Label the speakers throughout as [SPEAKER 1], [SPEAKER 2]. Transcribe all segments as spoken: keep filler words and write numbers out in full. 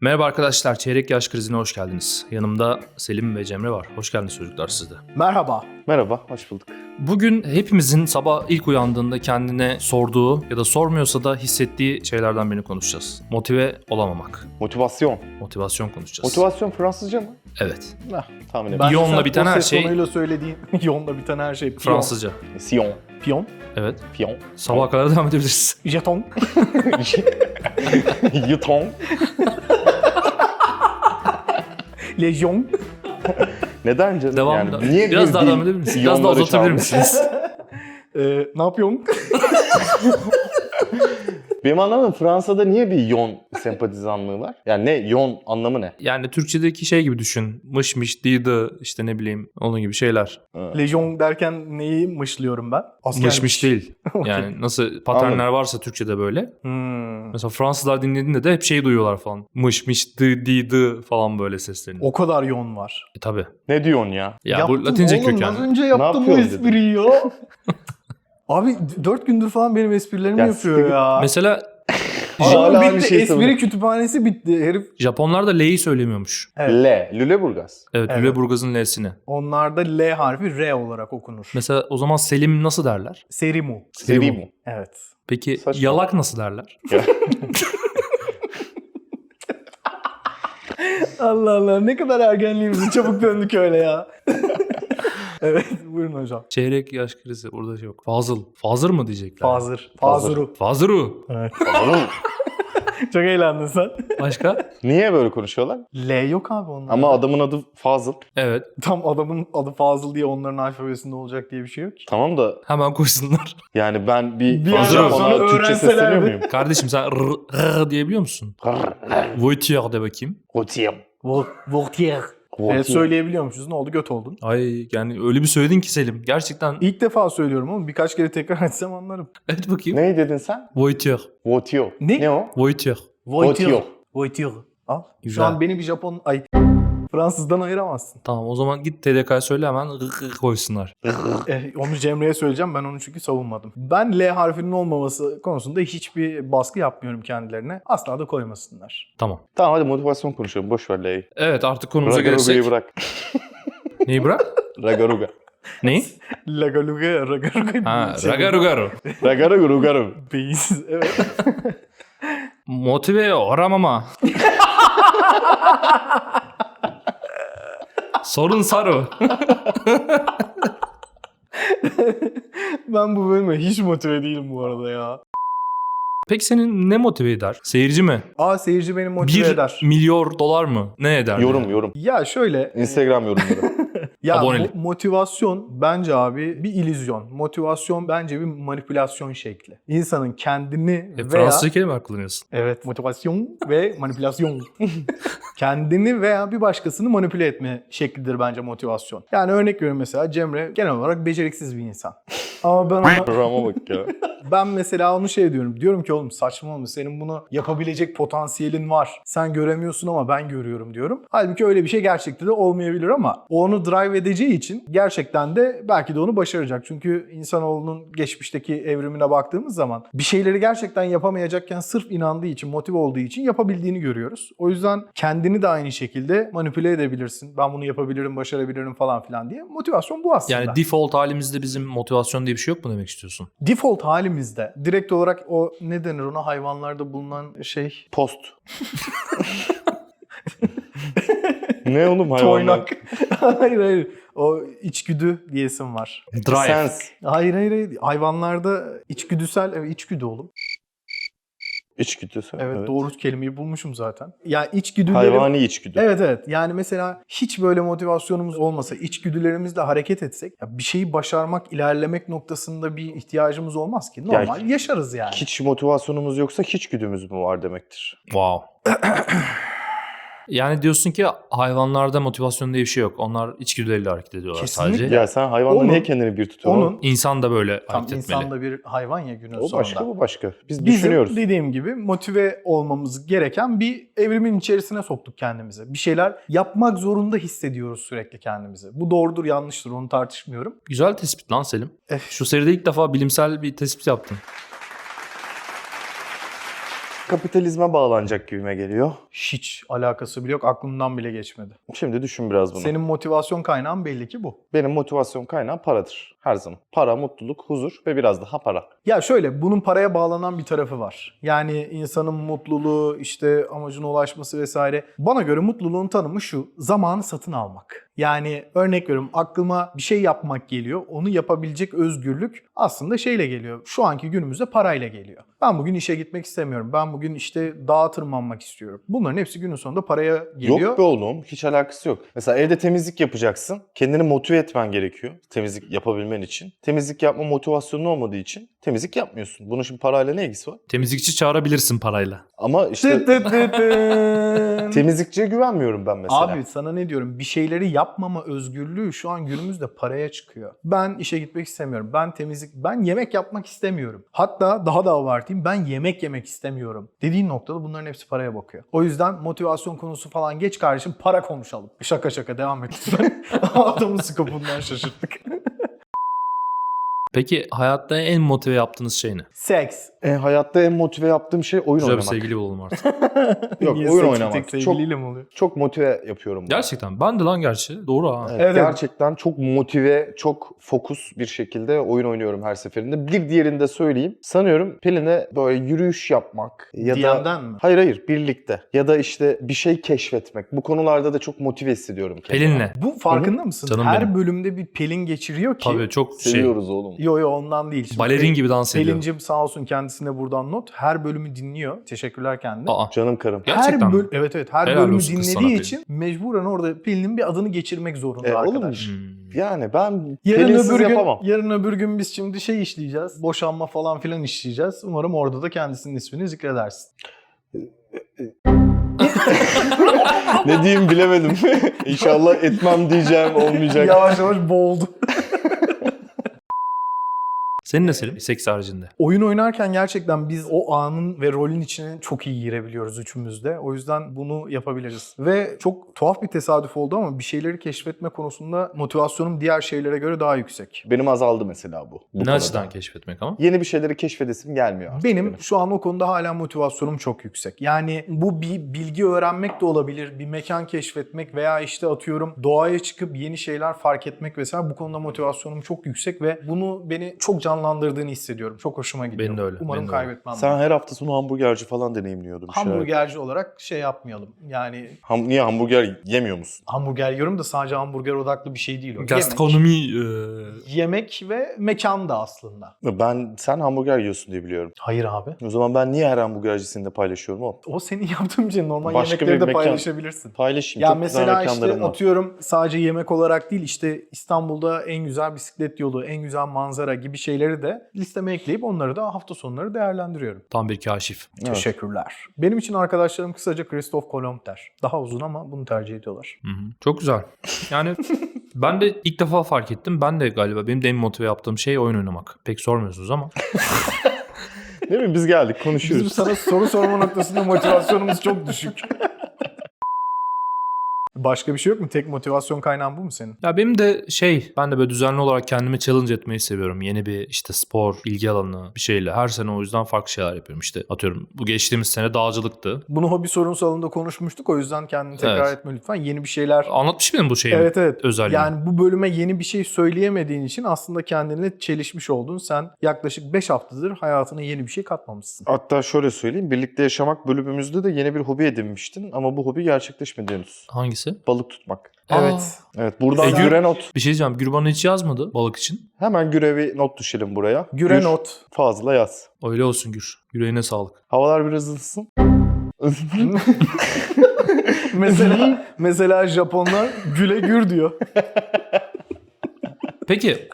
[SPEAKER 1] Merhaba arkadaşlar, Çeyrek Yaş Krizi'ne hoş geldiniz. Yanımda Selim ve Cemre var. Hoş geldiniz çocuklar siz de.
[SPEAKER 2] Merhaba.
[SPEAKER 3] Merhaba, hoş bulduk.
[SPEAKER 1] Bugün hepimizin sabah ilk uyandığında kendine sorduğu ya da sormuyorsa da hissettiği şeylerden birini konuşacağız. Motive olamamak.
[SPEAKER 3] Motivasyon.
[SPEAKER 1] Motivasyon konuşacağız.
[SPEAKER 3] Motivasyon Fransızca mı?
[SPEAKER 1] Evet.
[SPEAKER 3] Heh, tahmin
[SPEAKER 2] Ben
[SPEAKER 3] ettim.
[SPEAKER 1] Yonla
[SPEAKER 2] sen
[SPEAKER 1] biten
[SPEAKER 2] o
[SPEAKER 1] her
[SPEAKER 2] ses
[SPEAKER 1] şey-
[SPEAKER 2] tonuyla söylediğin yonla biten her şey. Piyon.
[SPEAKER 1] Fransızca.
[SPEAKER 3] Sion.
[SPEAKER 2] Piyon.
[SPEAKER 1] Evet.
[SPEAKER 3] Piyon.
[SPEAKER 1] Sabaha kadar devam edebiliriz.
[SPEAKER 2] Jeton.
[SPEAKER 3] Yuton.
[SPEAKER 2] Lejyon.
[SPEAKER 3] Neden canım?
[SPEAKER 1] Devam.
[SPEAKER 3] Yani niye
[SPEAKER 1] Biraz
[SPEAKER 3] bir
[SPEAKER 1] daha
[SPEAKER 3] dil
[SPEAKER 1] devam edebilir misiniz? Biraz daha
[SPEAKER 3] yonları
[SPEAKER 1] uzatabilir
[SPEAKER 3] çalmış?
[SPEAKER 1] misiniz?
[SPEAKER 2] Ee, ne yapıyorsun?
[SPEAKER 3] Benim anlamadım, Fransa'da niye bir yon sempatizanlığı var? Yani ne? Yon anlamı ne?
[SPEAKER 1] Yani Türkçedeki şey gibi düşün. Mış mış, dıydı, işte ne bileyim onun gibi şeyler.
[SPEAKER 2] Lejyon derken neyi mışlıyorum ben? Askermiş.
[SPEAKER 1] Mış mış değil. Yani nasıl paternler
[SPEAKER 3] Anladım.
[SPEAKER 1] varsa Türkçede böyle.
[SPEAKER 2] Hmm.
[SPEAKER 1] Mesela Fransızlar dinlediğinde de hep şey duyuyorlar falan. Mış mış, dı di dı falan böyle seslerini.
[SPEAKER 2] O kadar yon var.
[SPEAKER 1] E, tabii.
[SPEAKER 3] Ne diyorsun ya?
[SPEAKER 1] Ya
[SPEAKER 2] Yaptım
[SPEAKER 1] bu Latince
[SPEAKER 2] oğlum,
[SPEAKER 1] kökenli.
[SPEAKER 2] az önce yaptım bu
[SPEAKER 3] yapıyorsun
[SPEAKER 2] espriyi ya. Abi dört gündür falan benim esprilerimi
[SPEAKER 3] Ya
[SPEAKER 2] yapıyor
[SPEAKER 3] siktir-
[SPEAKER 2] ya.
[SPEAKER 1] Mesela
[SPEAKER 3] Hala
[SPEAKER 2] Hala
[SPEAKER 3] aynı
[SPEAKER 2] bitti.
[SPEAKER 3] şeyi
[SPEAKER 2] Espri
[SPEAKER 3] söylüyor.
[SPEAKER 2] kütüphanesi bitti. Herif.
[SPEAKER 1] Japonlar da L'yi söylemiyormuş.
[SPEAKER 2] Evet.
[SPEAKER 3] Le. Lüleburgaz.
[SPEAKER 1] Evet,
[SPEAKER 2] Evet.
[SPEAKER 1] Lüleburgaz'ın L'sini.
[SPEAKER 2] Onlarda L harfi R olarak okunur.
[SPEAKER 1] Mesela o zaman Selim nasıl derler?
[SPEAKER 2] Serimu.
[SPEAKER 3] Serimu.
[SPEAKER 2] Evet.
[SPEAKER 1] Peki
[SPEAKER 3] Saçma.
[SPEAKER 1] yalak nasıl derler?
[SPEAKER 2] Allah Allah, ne kadar ergenliğimizi çabuk döndük öyle ya. Evet, buyurun hocam.
[SPEAKER 1] Çeyrek yaş krizi burada şey yok. Fazıl. Fazır mı diyecekler?
[SPEAKER 2] Fazır. Fazuru.
[SPEAKER 1] Fazıru.
[SPEAKER 2] Evet.
[SPEAKER 3] Oğlum,
[SPEAKER 2] Çok eğlendin sen.
[SPEAKER 1] Başka?
[SPEAKER 3] niye böyle konuşuyorlar?
[SPEAKER 2] L yok abi onlarda.
[SPEAKER 3] Ama adamın adı Fazıl.
[SPEAKER 1] Evet.
[SPEAKER 2] Tam adamın adı Fazıl diye onların alfabesinde olacak diye bir şey yok ki.
[SPEAKER 3] Tamam da
[SPEAKER 1] Hemen koysunlar.
[SPEAKER 3] yani ben bir
[SPEAKER 2] Bir
[SPEAKER 1] yerden
[SPEAKER 3] Japon'a
[SPEAKER 2] sonra
[SPEAKER 3] Türkçe
[SPEAKER 2] öğrenselerdi.
[SPEAKER 3] sesleniyor muyum?
[SPEAKER 1] Kardeşim sen r, r diyebiliyor musun? Voitier de bakayım.
[SPEAKER 3] Rotier.
[SPEAKER 2] Voltaire. Evet, söyleyebiliyormuşuz. Ne oldu? Göt oldun.
[SPEAKER 1] Ay yani öyle bir söyledin ki Selim. Gerçekten.
[SPEAKER 2] İlk defa söylüyorum ama birkaç kere tekrar etsem anlarım.
[SPEAKER 1] Evet bakayım.
[SPEAKER 3] Ne dedin sen?
[SPEAKER 1] Voitier.
[SPEAKER 3] Rotier.
[SPEAKER 2] Ne?
[SPEAKER 3] Ne o?
[SPEAKER 1] Voitier.
[SPEAKER 2] Voltaire. Voltaire. Al.
[SPEAKER 1] Güzel.
[SPEAKER 2] Şu an beni bir Japon... Ay Fransızdan ayıramazsın.
[SPEAKER 1] Tamam o zaman git T D K'ya söyle hemen r, r koysunlar.
[SPEAKER 2] Eh, onu Cemre'ye söyleyeceğim. Ben onu çünkü savunmadım. Ben L harfinin olmaması konusunda hiçbir baskı yapmıyorum kendilerine. Asla da koymasınlar.
[SPEAKER 1] Tamam.
[SPEAKER 3] Tamam hadi motivasyon konuşalım. Boş ver L'yi.
[SPEAKER 1] Evet artık konumuza
[SPEAKER 3] Ragaruga'yı
[SPEAKER 1] gelirsek.
[SPEAKER 3] bırak.
[SPEAKER 1] Neyi bırak?
[SPEAKER 3] Ragaruga.
[SPEAKER 1] Neyi?
[SPEAKER 2] Lagaluga, ragaruga.
[SPEAKER 1] Ha, ragarugaru.
[SPEAKER 3] Ragaruga.
[SPEAKER 2] Beyinsiz, evet.
[SPEAKER 1] Motive oramama. Sorun saru.
[SPEAKER 2] Ben bu bölüme hiç motive değilim bu arada ya.
[SPEAKER 1] Peki senin ne motive eder? Seyirci mi?
[SPEAKER 2] Aa, seyirci beni motive
[SPEAKER 1] Bir
[SPEAKER 2] eder.
[SPEAKER 1] milyar dolar mı? Ne eder?
[SPEAKER 3] Yorum yorum.
[SPEAKER 2] Ya şöyle...
[SPEAKER 3] Instagram yorumları.
[SPEAKER 2] Ya
[SPEAKER 1] Abonelik.
[SPEAKER 2] mo- motivasyon bence abi bir illüzyon. Motivasyon bence bir manipülasyon şekli. İnsanın kendini
[SPEAKER 1] E,
[SPEAKER 2] veya...
[SPEAKER 1] Fransızca kelime kullanıyorsun.
[SPEAKER 2] Evet, motivasyon ve manipülasyon. Kendini veya bir başkasını manipüle etme şeklidir bence motivasyon. Yani örnek veriyorum, mesela Cemre genel olarak beceriksiz bir insan. Ama ben ona,
[SPEAKER 3] Programa bak ya.
[SPEAKER 2] ben mesela onu şey diyorum. Diyorum ki oğlum saçmalama, senin bunu yapabilecek potansiyelin var. Sen göremiyorsun ama ben görüyorum diyorum. Halbuki öyle bir şey gerçekte de olmayabilir ama o onu drive edeceği için gerçekten de belki de onu başaracak. Çünkü insanoğlunun geçmişteki evrimine baktığımız zaman bir şeyleri gerçekten yapamayacakken sırf inandığı için, motive olduğu için yapabildiğini görüyoruz. O yüzden kendini de aynı şekilde manipüle edebilirsin. Ben bunu yapabilirim, başarabilirim falan filan diye. Motivasyon bu aslında.
[SPEAKER 1] Yani default halimizde bizim motivasyon diye bir şey yok mu demek istiyorsun?
[SPEAKER 2] Default halimizde direkt olarak o ne denir ona, hayvanlarda bulunan şey...
[SPEAKER 3] Post. Ne oğlum hayvanlar?
[SPEAKER 2] Toynak. Hayır hayır. O içgüdü diyesim var.
[SPEAKER 1] Drive.
[SPEAKER 3] Sense.
[SPEAKER 2] Hayır hayır hayır. Hayvanlarda içgüdüsel, evet içgüdü oğlum.
[SPEAKER 3] İçgüdüsü.
[SPEAKER 2] Evet, doğru kelimeyi bulmuşum zaten. Ya içgüdülerim...
[SPEAKER 3] Hayvani içgüdü.
[SPEAKER 2] Evet evet. Yani mesela hiç böyle motivasyonumuz olmasa, içgüdülerimizle hareket etsek, ya bir şeyi başarmak, ilerlemek noktasında bir ihtiyacımız olmaz ki. Normal
[SPEAKER 3] Yani
[SPEAKER 2] yaşarız yani.
[SPEAKER 3] Hiç motivasyonumuz yoksa hiç güdümüz mü var demektir.
[SPEAKER 1] Wow. Yani diyorsun ki hayvanlarda motivasyon diye bir şey yok. Onlar içgüdüleriyle hareket ediyorlar
[SPEAKER 2] Kesinlikle.
[SPEAKER 1] sadece.
[SPEAKER 3] Ya sen hayvanla
[SPEAKER 2] Onun-
[SPEAKER 3] niye kendini bir tutuyorsun?
[SPEAKER 2] Onun
[SPEAKER 1] İnsan da böyle
[SPEAKER 2] tam
[SPEAKER 1] hareket etmeli.
[SPEAKER 2] insan da bir hayvan ya günün
[SPEAKER 3] O
[SPEAKER 2] sonunda.
[SPEAKER 3] başka, bu başka. Biz
[SPEAKER 2] Bizim
[SPEAKER 3] düşünüyoruz.
[SPEAKER 2] dediğim gibi motive olmamız gereken bir evrimin içerisine soktuk kendimizi. Bir şeyler yapmak zorunda hissediyoruz sürekli kendimizi. Bu doğrudur yanlıştır, onu tartışmıyorum.
[SPEAKER 1] Güzel tespit lan Selim.
[SPEAKER 2] Eh.
[SPEAKER 1] Şu seride ilk defa bilimsel bir tespit yaptın.
[SPEAKER 3] kapitalizme bağlanacak gibime geliyor.
[SPEAKER 2] Hiç alakası bile yok. Aklımdan bile geçmedi.
[SPEAKER 3] Şimdi düşün biraz bunu.
[SPEAKER 2] Senin motivasyon kaynağın belli ki bu.
[SPEAKER 3] Benim motivasyon kaynağım paradır. Her zaman. Para, mutluluk, huzur ve biraz daha para.
[SPEAKER 2] Ya şöyle, bunun paraya bağlanan bir tarafı var. Yani insanın mutluluğu, işte amacına ulaşması vesaire. Bana göre mutluluğun tanımı şu: zamanı satın almak. Yani örnek veriyorum, aklıma bir şey yapmak geliyor. Onu yapabilecek özgürlük aslında şeyle geliyor. Şu anki günümüzde parayla geliyor. Ben bugün işe gitmek istemiyorum. Ben bugün işte dağa tırmanmak istiyorum. Bunların hepsi günün sonunda paraya geliyor.
[SPEAKER 3] Yok be oğlum. Hiç alakası yok. Mesela evde temizlik yapacaksın. Kendini motive etmen gerekiyor temizlik yapabilmen için. Temizlik yapma motivasyonun olmadığı için temizlik yapmıyorsun. Bunun şimdi parayla ne ilgisi var?
[SPEAKER 1] Temizlikçi çağırabilirsin parayla.
[SPEAKER 3] Ama işte
[SPEAKER 2] Tıt tıt tıt tıt.
[SPEAKER 3] temizlikçiye güvenmiyorum ben mesela.
[SPEAKER 2] Abi sana ne diyorum? Bir şeyleri yapmama özgürlüğü şu an günümüzde paraya çıkıyor. Ben işe gitmek istemiyorum. Ben temizlik, ben yemek yapmak istemiyorum. Hatta daha da abartayım, ben yemek yemek istemiyorum dediğin noktada bunların hepsi paraya bakıyor. O yüzden motivasyon konusu falan geç kardeşim, para konuşalım. Şaka şaka devam et lütfen. Adamın skopundan şaşırttık.
[SPEAKER 1] Peki hayatta en motive yaptığınız şey ne?
[SPEAKER 2] Seks.
[SPEAKER 3] E, hayatta en motive yaptığım şey oyun
[SPEAKER 1] Güzel bir
[SPEAKER 3] oynamak.
[SPEAKER 1] sevgili bulalım artık.
[SPEAKER 3] Yok,
[SPEAKER 2] Niye
[SPEAKER 3] oyun
[SPEAKER 2] seks
[SPEAKER 3] oynamak.
[SPEAKER 2] tek
[SPEAKER 3] Çok,
[SPEAKER 2] sevgiliyle mi oluyor?
[SPEAKER 3] çok motive yapıyorum. bunu.
[SPEAKER 1] Gerçekten. Ben de lan gerçi. Doğru ha.
[SPEAKER 3] Evet,
[SPEAKER 2] Evet.
[SPEAKER 3] gerçekten çok motive, çok fokus bir şekilde oyun oynuyorum her seferinde. Bir diğerini de söyleyeyim. Sanıyorum Pelin'e böyle yürüyüş yapmak ya
[SPEAKER 2] D
[SPEAKER 3] da...
[SPEAKER 2] M'den mi?
[SPEAKER 3] Hayır hayır, birlikte. Ya da işte bir şey keşfetmek. Bu konularda da çok motive hissediyorum kendimi.
[SPEAKER 1] Pelin'le.
[SPEAKER 2] Bu farkında mısın?
[SPEAKER 1] Canım
[SPEAKER 2] Her
[SPEAKER 1] benim.
[SPEAKER 2] bölümde bir Pelin geçiriyor ki.
[SPEAKER 1] Tabii çok şey.
[SPEAKER 3] Seviyoruz oğlum.
[SPEAKER 2] Yo yo ondan değil. Şimdi
[SPEAKER 1] Balerin
[SPEAKER 2] Pelin-
[SPEAKER 1] gibi dans ediyor.
[SPEAKER 2] Pelincim sağ olsun, kendisine buradan not. Her bölümü dinliyor. Teşekkürler kendine.
[SPEAKER 1] Aa.
[SPEAKER 3] Canım karım.
[SPEAKER 1] Gerçekten
[SPEAKER 2] her
[SPEAKER 1] mi?
[SPEAKER 2] böl- Evet evet her
[SPEAKER 1] Helal
[SPEAKER 2] bölümü
[SPEAKER 1] olsun kız sana
[SPEAKER 2] dinlediği
[SPEAKER 1] Pelin.
[SPEAKER 2] için mecburen orada Pelin'in bir adını geçirmek zorunda
[SPEAKER 3] E, oğlum,
[SPEAKER 2] arkadaş.
[SPEAKER 1] Hmm.
[SPEAKER 3] Yani ben
[SPEAKER 2] Yarın
[SPEAKER 3] Pelinsiz
[SPEAKER 2] öbür gün,
[SPEAKER 3] yapamam.
[SPEAKER 2] yarın öbür gün biz şimdi şey işleyeceğiz. Boşanma falan filan işleyeceğiz. Umarım orada da kendisinin ismini zikredersin.
[SPEAKER 3] Ne diyeyim bilemedim. İnşallah etmem diyeceğim olmayacak.
[SPEAKER 2] Yavaş yavaş boğuldu.
[SPEAKER 1] Senin ne Selim? Seks haricinde.
[SPEAKER 2] Oyun oynarken gerçekten biz o anın ve rolün içine çok iyi girebiliyoruz üçümüz de. O yüzden bunu yapabiliriz. Ve çok tuhaf bir tesadüf oldu ama bir şeyleri keşfetme konusunda motivasyonum diğer şeylere göre daha yüksek.
[SPEAKER 3] Benim azaldı mesela bu. bu
[SPEAKER 1] Ne
[SPEAKER 3] konuda.
[SPEAKER 1] açıdan keşfetmek ama?
[SPEAKER 3] Yeni bir şeyleri keşfedesim gelmiyor artık
[SPEAKER 2] Benim şu an o konuda hala motivasyonum çok yüksek. Yani bu bir bilgi öğrenmek de olabilir, bir mekan keşfetmek veya işte atıyorum doğaya çıkıp yeni şeyler fark etmek vesaire, bu konuda motivasyonum çok yüksek ve bunu beni çok canlandırdığını hissediyorum. Çok hoşuma gidiyor.
[SPEAKER 1] Benim de öyle,
[SPEAKER 2] Umarım
[SPEAKER 1] benim de öyle.
[SPEAKER 2] kaybetmem.
[SPEAKER 3] Sen
[SPEAKER 2] bunu.
[SPEAKER 3] her hafta sonu hamburgerci falan deneyimliyordun. bir şeyler.
[SPEAKER 2] Hamburgerci olarak şey yapmayalım. Yani
[SPEAKER 3] Ham, niye hamburger yemiyor musun?
[SPEAKER 2] hamburger yiyorum da sadece hamburger odaklı bir şey değil o. Yemek,
[SPEAKER 1] Gastronomi e,
[SPEAKER 2] yemek ve mekan da aslında.
[SPEAKER 3] Ben sen hamburger yiyorsun diye biliyorum.
[SPEAKER 2] Hayır abi.
[SPEAKER 3] O zaman ben niye her hamburgercisini de paylaşıyorum oğlum?
[SPEAKER 2] O senin yaptığın için normal
[SPEAKER 3] Başka
[SPEAKER 2] yemekleri
[SPEAKER 3] bir
[SPEAKER 2] de
[SPEAKER 3] mekan-
[SPEAKER 2] paylaşabilirsin.
[SPEAKER 3] Paylaşayım.
[SPEAKER 2] Ya
[SPEAKER 3] Çok güzel
[SPEAKER 2] mesela işte
[SPEAKER 3] mekanlarım var.
[SPEAKER 2] atıyorum sadece yemek olarak değil, işte İstanbul'da en güzel bisiklet yolu, en güzel manzara gibi şeyleri de listeme ekleyip onları da hafta sonları değerlendiriyorum.
[SPEAKER 1] tam bir kaşif.
[SPEAKER 3] Evet.
[SPEAKER 2] Teşekkürler. Benim için arkadaşlarım kısaca Christoph Kolomb der. Daha uzun ama bunu tercih ediyorlar.
[SPEAKER 1] Hı hı. Çok güzel. Yani ben de ilk defa fark ettim. Ben de galiba benim de en motive yaptığım şey oyun oynamak. Pek sormuyorsunuz ama.
[SPEAKER 3] Değil mi? Biz geldik
[SPEAKER 2] Bizim
[SPEAKER 3] konuşuyoruz.
[SPEAKER 2] sana soru sorma noktasında motivasyonumuz çok düşük. Başka bir şey yok mu? Tek motivasyon kaynağın bu mu senin?
[SPEAKER 1] Ya benim de şey, ben de böyle düzenli olarak kendimi challenge etmeyi seviyorum. Yeni bir işte spor, ilgi alanı bir şeyle. Her sene o yüzden farklı şeyler yapıyorum. İşte atıyorum bu geçtiğimiz sene dağcılıktı.
[SPEAKER 2] Bunu hobi sorun salonunda konuşmuştuk. O yüzden kendini tekrar
[SPEAKER 1] Evet.
[SPEAKER 2] etme lütfen. Yeni bir şeyler...
[SPEAKER 1] Anlatmış mıydım bu şeyi?
[SPEAKER 2] Evet evet.
[SPEAKER 1] Özelliğini.
[SPEAKER 2] Yani bu bölüme yeni bir şey söyleyemediğin için aslında kendine çelişmiş oldun. Sen yaklaşık beş haftadır hayatına yeni bir şey katmamışsın.
[SPEAKER 3] Hatta şöyle söyleyeyim. Birlikte yaşamak bölümümüzde de yeni bir hobi edinmiştin. Ama bu hobi gerçekleşmedi henüz.
[SPEAKER 1] Hangisi?
[SPEAKER 3] Balık tutmak.
[SPEAKER 2] Evet.
[SPEAKER 3] Evet, buradan
[SPEAKER 1] E, Gür-
[SPEAKER 3] güre not.
[SPEAKER 1] Bir şey diyeceğim. Gür bana hiç yazmadı balık için.
[SPEAKER 3] Hemen gürevi not düşelim buraya.
[SPEAKER 2] Güre
[SPEAKER 3] Gür,
[SPEAKER 2] not.
[SPEAKER 3] Fazla yaz.
[SPEAKER 1] Öyle olsun Gür. Yüreğine sağlık.
[SPEAKER 3] Havalar biraz ısınsın.
[SPEAKER 2] mesela mesela Japonlar güle gür diyor.
[SPEAKER 1] Peki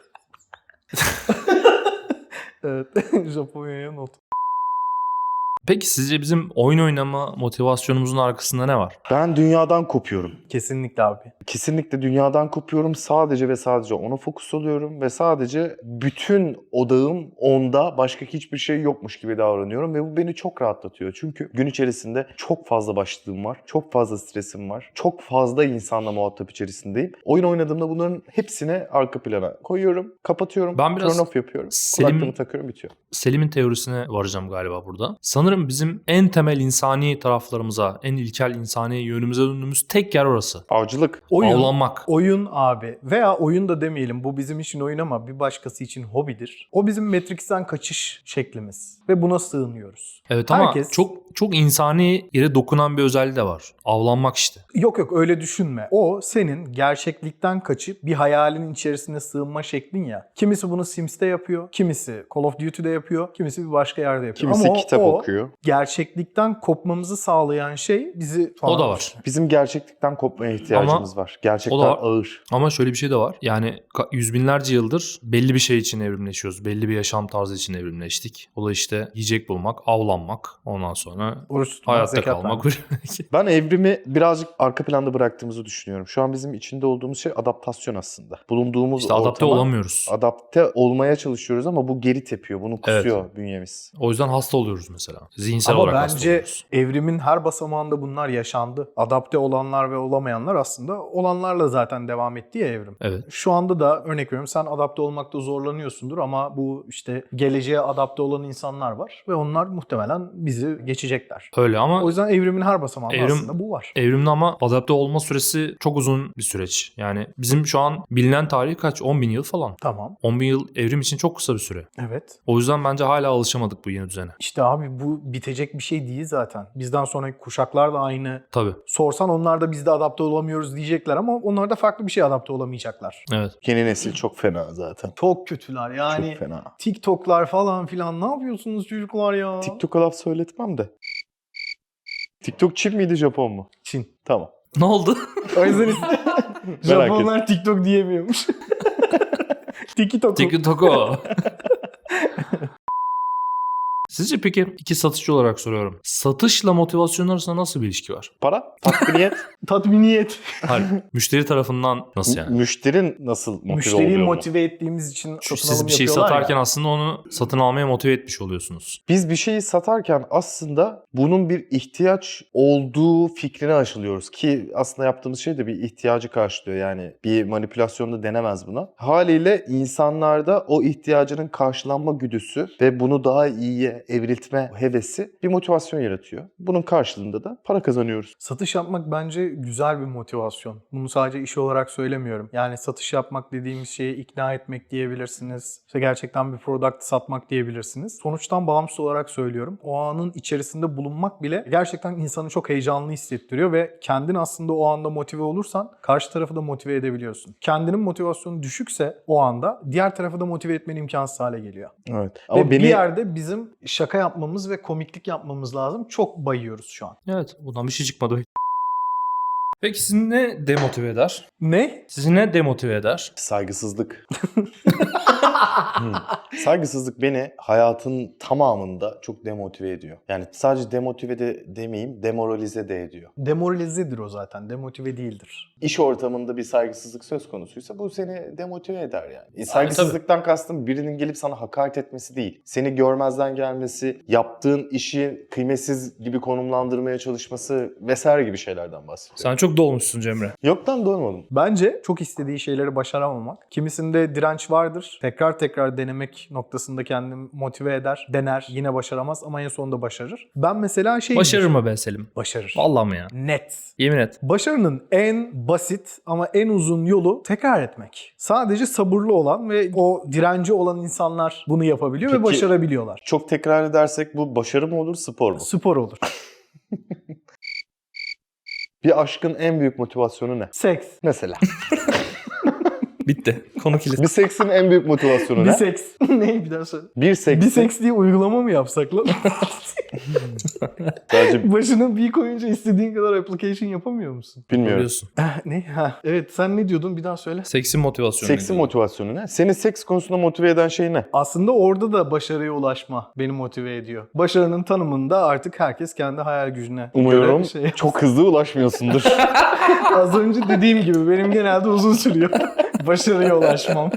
[SPEAKER 2] Evet. Japonya'ya not.
[SPEAKER 1] Peki sizce bizim oyun oynama motivasyonumuzun arkasında ne var?
[SPEAKER 3] Ben dünyadan kopuyorum.
[SPEAKER 2] Kesinlikle abi.
[SPEAKER 3] Kesinlikle dünyadan kopuyorum. Sadece ve sadece ona fokus oluyorum. Ve sadece bütün odağım onda, başka hiçbir şey yokmuş gibi davranıyorum. Ve bu beni çok rahatlatıyor. Çünkü gün içerisinde çok fazla başlığım var. Çok fazla stresim var. Çok fazla insanla muhatap içerisindeyim. Oyun oynadığımda bunların hepsini arka plana koyuyorum. Kapatıyorum.
[SPEAKER 1] Ben biraz
[SPEAKER 3] turn off yapıyorum.
[SPEAKER 1] Selim-
[SPEAKER 3] Kulaklığımı takıyorum, bitiyor.
[SPEAKER 1] Selim'in teorisine varacağım galiba burada. Sanırım sanırım bizim en temel insani taraflarımıza, en ilkel insani yönümüze döndüğümüz tek yer orası.
[SPEAKER 3] Avcılık.
[SPEAKER 2] Oyun,
[SPEAKER 1] Avlanmak.
[SPEAKER 2] oyun abi veya oyun da demeyelim, bu bizim için oyun ama bir başkası için hobidir. O bizim Matrix'ten kaçış şeklimiz ve buna sığınıyoruz.
[SPEAKER 1] Evet ama
[SPEAKER 2] Herkes-
[SPEAKER 1] çok çok insani yere dokunan bir özelliği de var. Avlanmak işte.
[SPEAKER 2] Yok yok öyle düşünme. O senin gerçeklikten kaçıp bir hayalin içerisine sığınma şeklin ya. Kimisi bunu Sims'te yapıyor, kimisi Call of Duty'de yapıyor, kimisi bir başka yerde yapıyor.
[SPEAKER 3] Kimisi
[SPEAKER 2] ama o,
[SPEAKER 3] kitap
[SPEAKER 2] o
[SPEAKER 3] okuyor.
[SPEAKER 2] gerçeklikten kopmamızı sağlayan şey bizi...
[SPEAKER 1] O da var.
[SPEAKER 3] Bizim gerçeklikten kopmaya ihtiyacımız var. Gerçekten
[SPEAKER 1] o da var.
[SPEAKER 3] ağır.
[SPEAKER 1] Ama şöyle bir şey de var. Yani ka- yüz binlerce yıldır belli bir şey için evrimleşiyoruz. Belli bir yaşam tarzı için evrimleştik. O da işte yiyecek bulmak, avlanmak. Ondan sonra
[SPEAKER 2] Oruç tutmak,
[SPEAKER 1] hayatta
[SPEAKER 2] zekat
[SPEAKER 1] kalmak.
[SPEAKER 3] Ben evrimi birazcık arka planda bıraktığımızı düşünüyorum. Şu an bizim içinde olduğumuz şey adaptasyon aslında. Bulunduğumuz
[SPEAKER 1] İşte adapte
[SPEAKER 3] ortama
[SPEAKER 1] olamıyoruz.
[SPEAKER 3] adapte olmaya çalışıyoruz ama bu geri tepiyor. Bunu kusuyor bünyemiz.
[SPEAKER 1] O yüzden hasta oluyoruz mesela. Zihinsel
[SPEAKER 2] Ama
[SPEAKER 1] olarak hasta
[SPEAKER 2] bence
[SPEAKER 1] oluyoruz.
[SPEAKER 2] evrimin her basamağında bunlar yaşandı. Adapte olanlar ve olamayanlar aslında olanlarla zaten devam etti ya evrim.
[SPEAKER 1] Evet.
[SPEAKER 2] Şu anda da örnek veriyorum, sen adapte olmakta zorlanıyorsundur ama bu işte geleceğe adapte olan insanlar var ve onlar muhtemelen bizi geçecekler.
[SPEAKER 1] Öyle ama
[SPEAKER 2] O yüzden evrimin her basamağında
[SPEAKER 1] Evrim-
[SPEAKER 2] aslında bu var.
[SPEAKER 1] evrimde ama adapte olma süresi çok uzun bir süreç. Yani bizim şu an bilinen tarih kaç? on bin yıl falan.
[SPEAKER 2] Tamam.
[SPEAKER 1] on bin yıl evrim için çok kısa bir süre.
[SPEAKER 2] Evet.
[SPEAKER 1] O yüzden bence hala alışamadık bu yeni düzene.
[SPEAKER 2] İşte abi bu bitecek bir şey değil zaten. Bizden sonraki kuşaklar da aynı.
[SPEAKER 1] Tabii.
[SPEAKER 2] Sorsan onlar da biz de adapte olamıyoruz diyecekler ama onlar da farklı bir şey adapte olamayacaklar.
[SPEAKER 1] Evet.
[SPEAKER 3] Yeni nesil çok fena zaten.
[SPEAKER 2] Çok kötüler yani.
[SPEAKER 3] Çok fena.
[SPEAKER 2] TikTok'lar falan filan, ne yapıyorsunuz çocuklar ya?
[SPEAKER 3] TikTok'a laf söyletmem de. TikTok Çin miydi, Japon mu?
[SPEAKER 2] Çin.
[SPEAKER 3] Tamam.
[SPEAKER 1] Ne oldu?
[SPEAKER 2] O yüzden Japonlar TikTok diyemiyormuş. TikTok.
[SPEAKER 1] TikTok'u. Sizce peki iki satışçı olarak soruyorum. Satışla motivasyon arasında nasıl bir ilişki var?
[SPEAKER 3] Para, tatminiyet.
[SPEAKER 2] Tatminiyet.
[SPEAKER 1] Hayır. Müşteri tarafından nasıl yani?
[SPEAKER 3] Müşterin nasıl motive
[SPEAKER 2] Müşteriyi
[SPEAKER 3] oluyor mu?
[SPEAKER 2] motive ettiğimiz için
[SPEAKER 1] Çünkü
[SPEAKER 2] satın
[SPEAKER 1] siz
[SPEAKER 2] alım
[SPEAKER 1] bir şey
[SPEAKER 2] yapıyorlar
[SPEAKER 1] satarken
[SPEAKER 2] ya.
[SPEAKER 1] aslında onu satın almaya motive etmiş oluyorsunuz.
[SPEAKER 3] Biz bir şeyi satarken aslında bunun bir ihtiyaç olduğu fikrine aşılıyoruz ki aslında yaptığımız şey de bir ihtiyacı karşılıyor. Yani bir manipülasyonda denemez buna. Haliyle insanlarda o ihtiyacının karşılanma güdüsü ve bunu daha iyiye evriltme hevesi bir motivasyon yaratıyor. Bunun karşılığında da para kazanıyoruz.
[SPEAKER 2] Satış yapmak bence güzel bir motivasyon. Bunu sadece iş olarak söylemiyorum. Yani satış yapmak dediğimiz şeyi ikna etmek diyebilirsiniz. İşte gerçekten bir product satmak diyebilirsiniz. Sonuçtan bağımsız olarak söylüyorum. O anın içerisinde bulunmak bile gerçekten insanı çok heyecanlı hissettiriyor ve kendin aslında o anda motive olursan karşı tarafı da motive edebiliyorsun. Kendinin motivasyonu düşükse o anda diğer tarafı da motive etmen imkansız hale geliyor.
[SPEAKER 3] Evet.
[SPEAKER 2] Ve
[SPEAKER 3] Ama beni
[SPEAKER 2] bir yerde bizim şaka yapmamız ve komiklik yapmamız lazım. Çok bayıyoruz şu an.
[SPEAKER 1] Evet. Bundan bir şey çıkmadı. Peki sizi ne demotive eder?
[SPEAKER 2] Ne?
[SPEAKER 1] Sizi ne demotive eder?
[SPEAKER 3] saygısızlık. Hmm. Saygısızlık beni hayatın tamamında çok demotive ediyor. Yani sadece demotive de demeyeyim, demoralize de ediyor.
[SPEAKER 2] Demoralizedir o zaten. Demotive değildir.
[SPEAKER 3] İş ortamında bir saygısızlık söz konusuysa bu seni demotive eder yani. E, saygısızlıktan kastım birinin gelip sana hakaret etmesi değil. Seni görmezden gelmesi, yaptığın işi kıymetsiz gibi konumlandırmaya çalışması vesaire gibi şeylerden bahsediyorum.
[SPEAKER 1] Sen çok dolmuşsun Cemre.
[SPEAKER 3] Yoktan dolmadım.
[SPEAKER 2] Bence çok istediği şeyleri başaramamak. Kimisinde direnç vardır. Tekrar tekrar denemek noktasında kendini motive eder. Dener. Yine başaramaz ama en sonunda başarır. Ben mesela şey...
[SPEAKER 1] Başarır mı be Selim?
[SPEAKER 2] Başarır.
[SPEAKER 1] Vallahi mi ya?
[SPEAKER 2] Net.
[SPEAKER 1] Yemin et.
[SPEAKER 2] Başarının en basit ama en uzun yolu tekrar etmek. Sadece sabırlı olan ve o direnci olan insanlar bunu yapabiliyor ve
[SPEAKER 3] Peki-
[SPEAKER 2] başarabiliyorlar.
[SPEAKER 3] Çok tekrar edersek bu başarı mı olur, spor mu?
[SPEAKER 2] Spor olur.
[SPEAKER 3] Bir aşkın en büyük motivasyonu ne?
[SPEAKER 2] Seks.
[SPEAKER 3] Mesela.
[SPEAKER 1] Bitti. Konu kilit.
[SPEAKER 3] Bir seksin en büyük motivasyonu
[SPEAKER 2] Bir
[SPEAKER 3] ne?
[SPEAKER 2] seks. Ne bir daha söyle.
[SPEAKER 3] Bir seksin.
[SPEAKER 2] Bir seks diye uygulama mı yapsak lan?
[SPEAKER 3] Sadece
[SPEAKER 2] Başına bir koyunca istediğin kadar application yapamıyor musun?
[SPEAKER 3] bilmiyorum.
[SPEAKER 1] Biliyorsun.
[SPEAKER 2] Eh, ne? Ha. Evet, sen ne diyordun? Bir daha söyle.
[SPEAKER 1] Seksin motivasyonu.
[SPEAKER 3] Seksin
[SPEAKER 1] nedir?
[SPEAKER 3] motivasyonu ne? Seni seks konusunda motive eden şey ne?
[SPEAKER 2] Aslında orada da başarıya ulaşma beni motive ediyor. Başarının tanımında artık herkes kendi hayal gücüne
[SPEAKER 3] Umuyorum
[SPEAKER 2] göre şey.
[SPEAKER 3] çok hızlı ulaşmıyorsundur.
[SPEAKER 2] Az önce dediğim gibi benim genelde uzun sürüyor başarıya ulaşmam.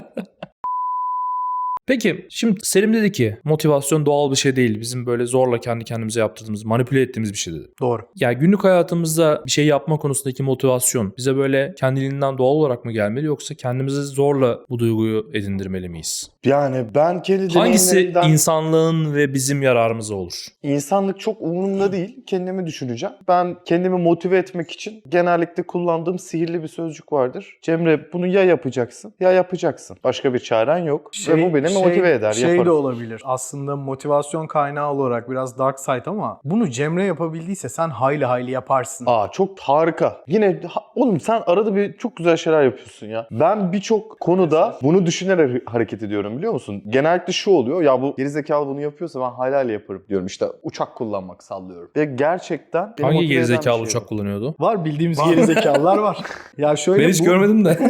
[SPEAKER 1] Peki şimdi Selim dedi ki motivasyon doğal bir şey değil. Bizim böyle zorla kendi kendimize yaptırdığımız, manipüle ettiğimiz bir şey dedi.
[SPEAKER 2] Doğru.
[SPEAKER 1] Ya günlük hayatımızda bir şey yapma konusundaki motivasyon bize böyle kendiliğinden doğal olarak mı gelmeli yoksa kendimizi zorla bu duyguyu edindirmeli miyiz?
[SPEAKER 3] Yani ben kendi
[SPEAKER 1] Hangisi
[SPEAKER 3] deneyimlerimden
[SPEAKER 1] insanlığın ve bizim yararımıza olur?
[SPEAKER 3] insanlık çok umurumda değil. Kendimi düşüneceğim. Ben kendimi motive etmek için genellikle kullandığım sihirli bir sözcük vardır. Cemre bunu ya yapacaksın ya yapacaksın. Başka bir çaren yok. Ve bu beni motive eder.
[SPEAKER 2] Şey
[SPEAKER 3] yaparım.
[SPEAKER 2] de olabilir. Aslında motivasyon kaynağı olarak biraz dark side ama bunu Cemre yapabildiyse sen hayli hayli yaparsın.
[SPEAKER 3] Aa çok harika. Yine ha- oğlum sen arada bir çok güzel şeyler yapıyorsun ya. Ben birçok konuda bunu düşünerek hareket ediyorum biliyor musun? Genellikle şu oluyor. Ya bu gerizekalı bunu yapıyorsa ben hayli hayli yaparım diyorum. İşte uçak kullanmak sallıyorum. Ve gerçekten beni
[SPEAKER 1] Hangi
[SPEAKER 3] motive eden bir
[SPEAKER 1] gerizekalı
[SPEAKER 2] şey
[SPEAKER 3] bu.
[SPEAKER 1] uçak kullanıyordu?
[SPEAKER 2] Var bildiğimiz gerizekalılar var. Ya şöyle
[SPEAKER 1] Ben hiç
[SPEAKER 2] bu,
[SPEAKER 1] görmedim de.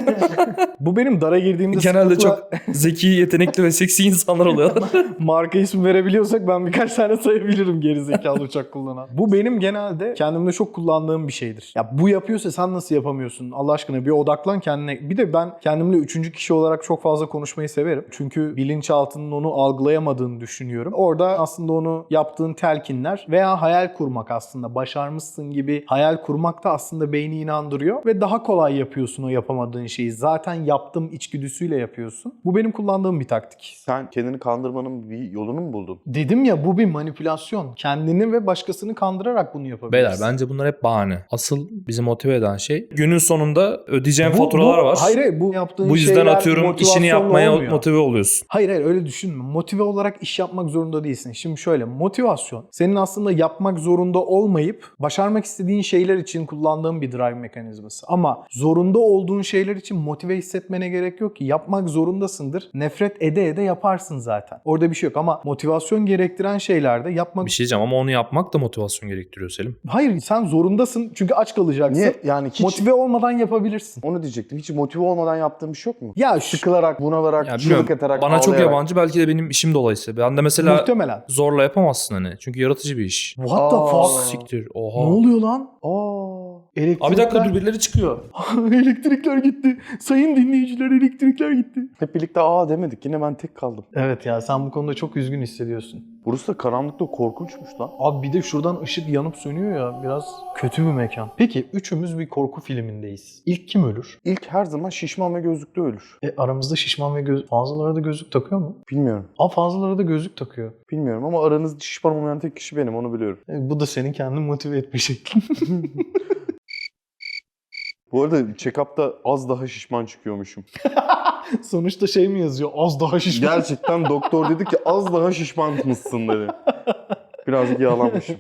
[SPEAKER 2] bu benim dara girdiğimde
[SPEAKER 1] Genelde
[SPEAKER 2] sıklıkla-
[SPEAKER 1] çok zeki, yetenekli ve seksi insanlar oluyor.
[SPEAKER 2] marka ismi verebiliyorsak ben birkaç tane sayabilirim gerizekalı uçak kullanan. Bu benim genelde kendimde çok kullandığım bir şeydir. Ya bu yapıyorsa sen nasıl yapamıyorsun? Allah aşkına bir odaklan kendine. Bir de ben kendimle üçüncü kişi olarak çok fazla konuşmayı severim. Çünkü bilinçaltının onu algılayamadığını düşünüyorum. Orada aslında onu yaptığın telkinler veya hayal kurmak aslında. Başarmışsın gibi hayal kurmak da aslında beyni inandırıyor ve daha kolay yapıyorsun o yapamadığın şeyi. Zaten yaptım içgüdüsüyle yapıyorsun. Bu benim kullandığım bir taktik.
[SPEAKER 3] Sen kendini kandırmanın bir yolunu mu buldun?
[SPEAKER 2] Dedim ya bu bir manipülasyon. Kendini ve başkasını kandırarak bunu yapabilirsin.
[SPEAKER 1] Beyler bence bunlar hep bahane. Asıl bizi motive eden şey günün sonunda ödeyeceğin
[SPEAKER 2] Bu-
[SPEAKER 1] faturalar
[SPEAKER 2] bu-
[SPEAKER 1] var.
[SPEAKER 2] Hayır hayır bu yaptığın
[SPEAKER 1] Bu yüzden
[SPEAKER 2] şeyler
[SPEAKER 1] atıyorum işini
[SPEAKER 2] motivasyonla
[SPEAKER 1] yapmaya
[SPEAKER 2] olmuyor.
[SPEAKER 1] motive oluyorsun.
[SPEAKER 2] Hayır hayır öyle düşünme. Motive olarak iş yapmak zorunda değilsin. Şimdi şöyle motivasyon senin aslında yapmak zorunda olmayıp başarmak istediğin şeyler için kullandığın bir drive mekanizması. Ama zorunda olduğun şeyler için motive hissetmene gerek yok ki. Yapmak zorundasındır. Nefret ede ede yaparsın zaten. Orada bir şey yok ama motivasyon gerektiren şeylerde yapmak...
[SPEAKER 1] Bir şey diyeceğim ama onu yapmak da motivasyon gerektiriyor Selim.
[SPEAKER 2] Hayır sen zorundasın çünkü aç kalacaksın.
[SPEAKER 3] Niye? Yani hiç
[SPEAKER 2] Motive olmadan yapabilirsin.
[SPEAKER 3] onu diyecektim. Hiç motive olmadan yaptığım bir şey yok mu?
[SPEAKER 2] Ya şu
[SPEAKER 3] Sıkılarak, bunalarak,
[SPEAKER 1] Ya
[SPEAKER 3] çığlık
[SPEAKER 1] bilmiyorum,
[SPEAKER 3] atarak,
[SPEAKER 1] bana çok
[SPEAKER 3] ağlayarak.
[SPEAKER 1] yabancı, belki de benim işim dolayısıyla. Ben de mesela
[SPEAKER 2] muhtemelen.
[SPEAKER 1] zorla yapamazsın hani. Çünkü yaratıcı bir iş.
[SPEAKER 2] What the
[SPEAKER 3] Aa.
[SPEAKER 2] fuck?
[SPEAKER 1] Siktir.
[SPEAKER 2] Ne
[SPEAKER 1] Oha.
[SPEAKER 2] oluyor lan?
[SPEAKER 3] Aa.
[SPEAKER 2] Elektrikler...
[SPEAKER 1] Abi bir dakika dur, birileri çıkıyor.
[SPEAKER 2] elektrikler gitti. Sayın dinleyiciler elektrikler gitti.
[SPEAKER 3] Hep birlikte aa demedik. Yine ben tek kaldım.
[SPEAKER 2] Evet ya sen bu konuda çok üzgün hissediyorsun.
[SPEAKER 3] Burası da karanlıkta korkunçmuş lan.
[SPEAKER 2] Abi bir de şuradan ışık yanıp sönüyor ya. Biraz kötü bir mekan. Peki üçümüz bir korku filmindeyiz. İlk kim ölür?
[SPEAKER 3] İlk her zaman şişman ve gözlüklü ölür.
[SPEAKER 2] E, aramızda şişman ve göz... Fazlalara da gözlük takıyor mu?
[SPEAKER 3] Bilmiyorum.
[SPEAKER 2] Aa fazlalara da gözlük takıyor.
[SPEAKER 3] Bilmiyorum ama aranızda şişman olmayan tek kişi benim, onu biliyorum.
[SPEAKER 2] E, bu da senin kendini motive etme şeklin.
[SPEAKER 3] Bu arada check-up'ta az daha şişman çıkıyormuşum.
[SPEAKER 2] Sonuçta şey mi yazıyor? Az daha şişman.
[SPEAKER 3] Gerçekten doktor dedi ki az daha şişman mısın dedi. Birazcık yağlanmışım.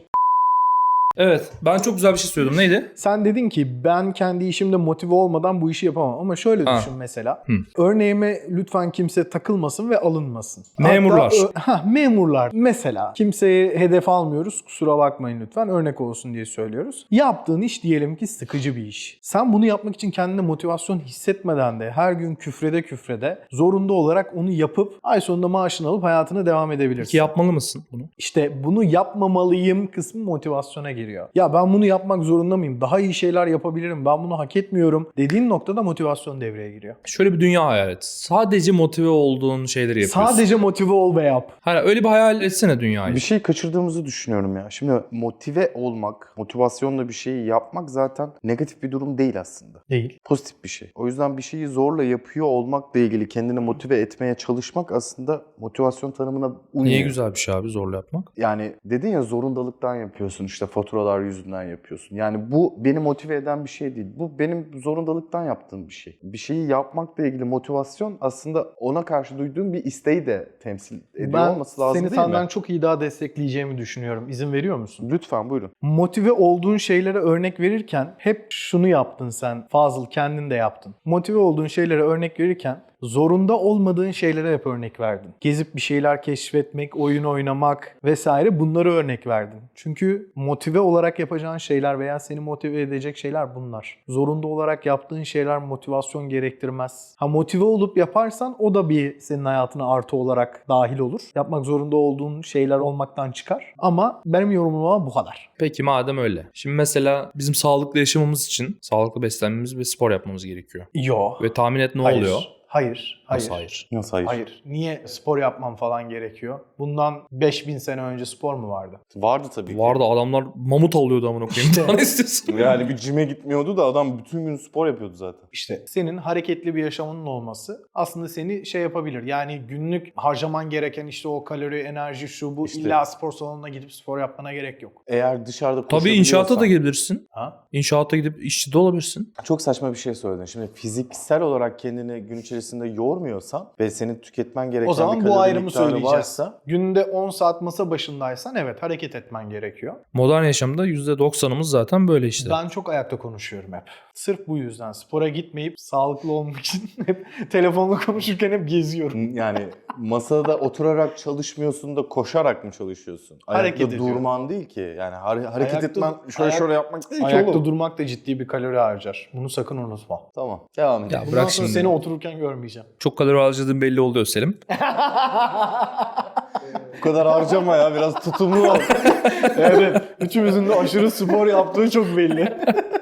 [SPEAKER 1] Evet, ben çok güzel bir şey söyledim. Neydi?
[SPEAKER 2] Sen dedin ki ben kendi işimde motive olmadan bu işi yapamam. Ama şöyle
[SPEAKER 1] Ha.
[SPEAKER 2] düşün mesela.
[SPEAKER 1] Hı.
[SPEAKER 2] Örneğime lütfen kimse takılmasın ve alınmasın.
[SPEAKER 1] Memurlar.
[SPEAKER 2] Hatta, ö- ha, memurlar. Mesela kimseye hedef almıyoruz. Kusura bakmayın lütfen. Örnek olsun diye söylüyoruz. Yaptığın iş diyelim ki sıkıcı bir iş. Sen bunu yapmak için kendine motivasyon hissetmeden de her gün küfrede küfrede zorunda olarak onu yapıp ay sonunda maaşını alıp hayatına devam edebilirsin.
[SPEAKER 1] Ki yapmalı mısın bunu?
[SPEAKER 2] İşte bunu yapmamalıyım kısmı motivasyona giriyor. Ya ben bunu yapmak zorunda mıyım? Daha iyi şeyler yapabilirim. Ben bunu hak etmiyorum dediğin noktada motivasyon devreye giriyor.
[SPEAKER 1] Şöyle bir dünya hayal et. Sadece motive olduğun şeyleri yapıyorsun.
[SPEAKER 2] Sadece motive ol ve yap.
[SPEAKER 1] Hani öyle bir hayal etsene dünyayı.
[SPEAKER 3] Bir şey kaçırdığımızı düşünüyorum ya. Şimdi motive olmak, motivasyonla bir şeyi yapmak zaten negatif bir durum değil aslında.
[SPEAKER 2] Değil.
[SPEAKER 3] Pozitif bir şey. O yüzden bir şeyi zorla yapıyor olmakla ilgili kendini motive etmeye çalışmak aslında motivasyon tanımına uymuyor.
[SPEAKER 1] Niye güzel bir şey abi zorla yapmak?
[SPEAKER 3] Yani dedin ya zorundalıktan yapıyorsun, işte faturalar yüzünden yapıyorsun. Yani bu beni motive eden bir şey değil. Bu benim zorundalıktan yaptığım bir şey. Bir şeyi yapmakla ilgili motivasyon aslında ona karşı duyduğum bir isteği de temsil ediyor
[SPEAKER 2] Ben
[SPEAKER 3] olması lazım
[SPEAKER 2] seni
[SPEAKER 3] değil
[SPEAKER 2] senden
[SPEAKER 3] mi?
[SPEAKER 2] çok iyi daha destekleyeceğimi düşünüyorum. İzin veriyor musun?
[SPEAKER 3] Lütfen buyurun.
[SPEAKER 2] Motive olduğun şeylere örnek verirken hep şunu yaptın sen. Fazıl kendin de yaptın. Motive olduğun şeylere örnek verirken zorunda olmadığın şeylere hep örnek verdin. Gezip bir şeyler keşfetmek, oyun oynamak vesaire bunları örnek verdin. Çünkü motive olarak yapacağın şeyler veya seni motive edecek şeyler bunlar. Zorunda olarak yaptığın şeyler motivasyon gerektirmez. Ha motive olup yaparsan o da bir senin hayatına artı olarak dahil olur. Yapmak zorunda olduğun şeyler olmaktan çıkar. Ama benim yorumum bu kadar.
[SPEAKER 1] Peki madem öyle. Şimdi mesela bizim sağlıklı yaşamamız için sağlıklı beslenmemiz ve spor yapmamız gerekiyor.
[SPEAKER 2] Yo.
[SPEAKER 1] Ve tahmin et ne
[SPEAKER 2] Hayır.
[SPEAKER 1] oluyor?
[SPEAKER 2] Hayır. Hayır.
[SPEAKER 1] Nasıl hayır?
[SPEAKER 3] Nasıl hayır?
[SPEAKER 2] Hayır. Niye spor yapmam falan gerekiyor? Bundan beş bin sene önce spor mu vardı?
[SPEAKER 3] Vardı tabii ki.
[SPEAKER 1] Vardı, adamlar mamut avlıyordu amına koyayım.
[SPEAKER 2] İşte.
[SPEAKER 1] Daha ne istiyorsun?
[SPEAKER 3] Yani bir cime gitmiyordu da adam bütün gün spor yapıyordu zaten.
[SPEAKER 2] İşte senin hareketli bir yaşamının olması aslında seni şey yapabilir. Yani günlük harcaman gereken işte o kalori, enerji, şu bu
[SPEAKER 3] İşte.
[SPEAKER 2] illa spor salonuna gidip spor yapmana gerek yok.
[SPEAKER 3] Eğer dışarıda
[SPEAKER 1] Tabii inşaata da
[SPEAKER 3] koşabiliyorsan-
[SPEAKER 1] gidebilirsin.
[SPEAKER 2] Ha?
[SPEAKER 1] İnşaata gidip işçi de olabilirsin.
[SPEAKER 3] Çok saçma bir şey söyledin. Şimdi fiziksel olarak kendini gün içerisinde yormuyorsan ve senin tüketmen gereken
[SPEAKER 2] O zaman
[SPEAKER 3] bir
[SPEAKER 2] bu
[SPEAKER 3] kalori
[SPEAKER 2] ayrımı
[SPEAKER 3] miktarı
[SPEAKER 2] söyleyeceğiz.
[SPEAKER 3] varsa
[SPEAKER 2] Günde on saat masa başındaysan evet hareket etmen gerekiyor.
[SPEAKER 1] Modern yaşamda yüzde doksanımız zaten böyle işte.
[SPEAKER 2] Ben çok ayakta konuşuyorum hep. Sırf bu yüzden spora gitmeyip sağlıklı olmak için hep telefonla konuşurken hep geziyorum.
[SPEAKER 3] yani masada oturarak çalışmıyorsun da koşarak mı çalışıyorsun? Ayakta
[SPEAKER 2] Hareket ediyorum.
[SPEAKER 3] durman değil ki. Yani har- hareket
[SPEAKER 2] Ayakta-
[SPEAKER 3] etmen şöyle
[SPEAKER 2] ayak-
[SPEAKER 3] şöyle yapmak değil ki
[SPEAKER 2] Ayakta
[SPEAKER 3] oğlum.
[SPEAKER 2] durmak da ciddi bir kalori harcar. Bunu sakın unutma.
[SPEAKER 3] Tamam. Devam edelim.
[SPEAKER 1] Ya
[SPEAKER 2] Bundan
[SPEAKER 1] bırak
[SPEAKER 2] sonra
[SPEAKER 1] şimdi.
[SPEAKER 2] seni otururken görmeyeceğim.
[SPEAKER 1] Çok kalori harcadığın belli oluyor Selim.
[SPEAKER 3] Bu kadar harcama ya. Biraz tutumlu ol.
[SPEAKER 2] Evet. Üçümüzün de aşırı spor yaptığı çok belli.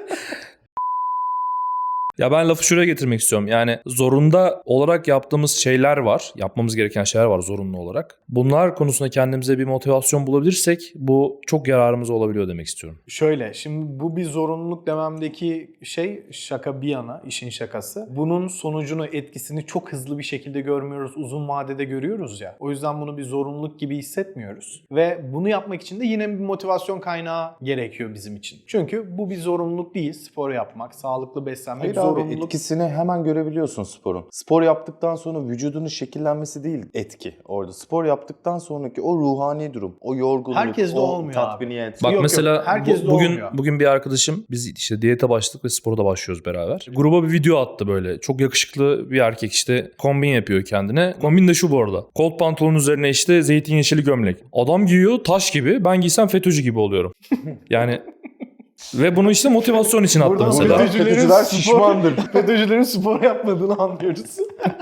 [SPEAKER 1] Ya ben lafı şuraya getirmek istiyorum. Yani zorunda olarak yaptığımız şeyler var. Yapmamız gereken şeyler var zorunlu olarak. Bunlar konusunda kendimize bir motivasyon bulabilirsek bu çok yararımız olabiliyor demek istiyorum.
[SPEAKER 2] Şöyle, şimdi bu bir zorunluluk dememdeki şey şaka bir yana, işin şakası. Bunun sonucunu, etkisini çok hızlı bir şekilde görmüyoruz, uzun vadede görüyoruz ya. O yüzden bunu bir zorunluluk gibi hissetmiyoruz. Ve bunu yapmak için de yine bir motivasyon kaynağı gerekiyor bizim için. Çünkü bu bir zorunluluk değil, spor yapmak, sağlıklı beslenmek
[SPEAKER 3] Hayır abi,
[SPEAKER 2] zorunluluk.
[SPEAKER 3] etkisini hemen görebiliyorsun sporun. Spor yaptıktan sonra vücudunun şekillenmesi değil etki orada. Spor yaptıktan sonraki o ruhani durum, o yorgunluk,
[SPEAKER 2] Herkes de
[SPEAKER 3] o
[SPEAKER 2] olmuyor abi.
[SPEAKER 3] tatminiyet.
[SPEAKER 1] Bak
[SPEAKER 2] Yok, yok.
[SPEAKER 1] mesela
[SPEAKER 2] Herkes
[SPEAKER 1] bu-
[SPEAKER 2] de
[SPEAKER 1] bugün
[SPEAKER 2] olmuyor.
[SPEAKER 1] bugün bir arkadaşım biz işte diyete başladık ve spora da başlıyoruz beraber. Gruba bir video attı böyle. Çok yakışıklı bir erkek işte kombin yapıyor kendine. Kombin de şu bu arada. Kot pantolonun üzerine işte zeytin yeşili gömlek. Adam giyiyor taş gibi. Ben giysem FETÖ'cü gibi oluyorum. Yani ve bunu işte motivasyon için attı
[SPEAKER 2] Burada
[SPEAKER 1] mesela.
[SPEAKER 2] FETÖ'cülerin
[SPEAKER 3] FETÖ'cüler
[SPEAKER 2] spor-
[SPEAKER 3] şişmandır.
[SPEAKER 2] FETÖ'cülerin spor yapmadığını anlıyoruz.